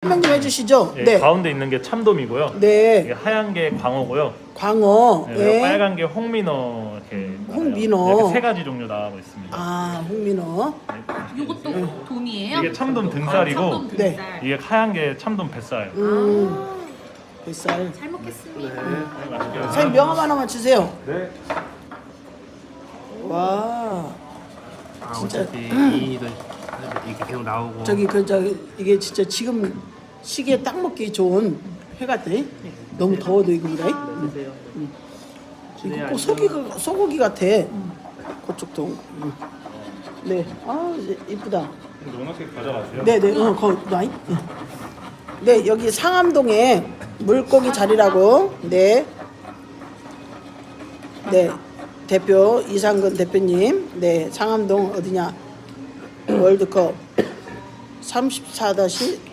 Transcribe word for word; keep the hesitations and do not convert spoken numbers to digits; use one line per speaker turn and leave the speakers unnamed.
설명 좀 해주시죠.
예,
네.
가운데 있는 게 참돔이고요.
네.
이게 하얀 게 광어고요.
광어.
네,
네.
빨간 게 홍민어 이렇게
홍민어.
나와요. 이렇게 세 가지 종류 나오고 있습니다.
아, 홍민어.
요것도 돔이에요?
이게 참돔 등살이고
아, 참돔
네.
등살.
이게 하얀 게 참돔 뱃살.
음. 뱃살.
잘 먹겠습니다.
선생님 명함 하나만 주세요.
네.
와.
아,
진짜.
어차피 이 일은 이렇게 계속 나오고
저기 그 저기 이게 진짜 지금 시기에 딱 먹기 좋은 회 같아. 너무 더워도 이거보다.
드세요.
이거 꼭 소고기 소고기 같아. 그쪽도. 음. 네. 아 이쁘다.
노란색 가져가세요.
네네. 어, 거 나이. 네 여기 상암동에 물고기 자리라고. 네. 네. 대표 이상근 대표님. 네 상암동 어디냐? 월드컵 삼십사 다시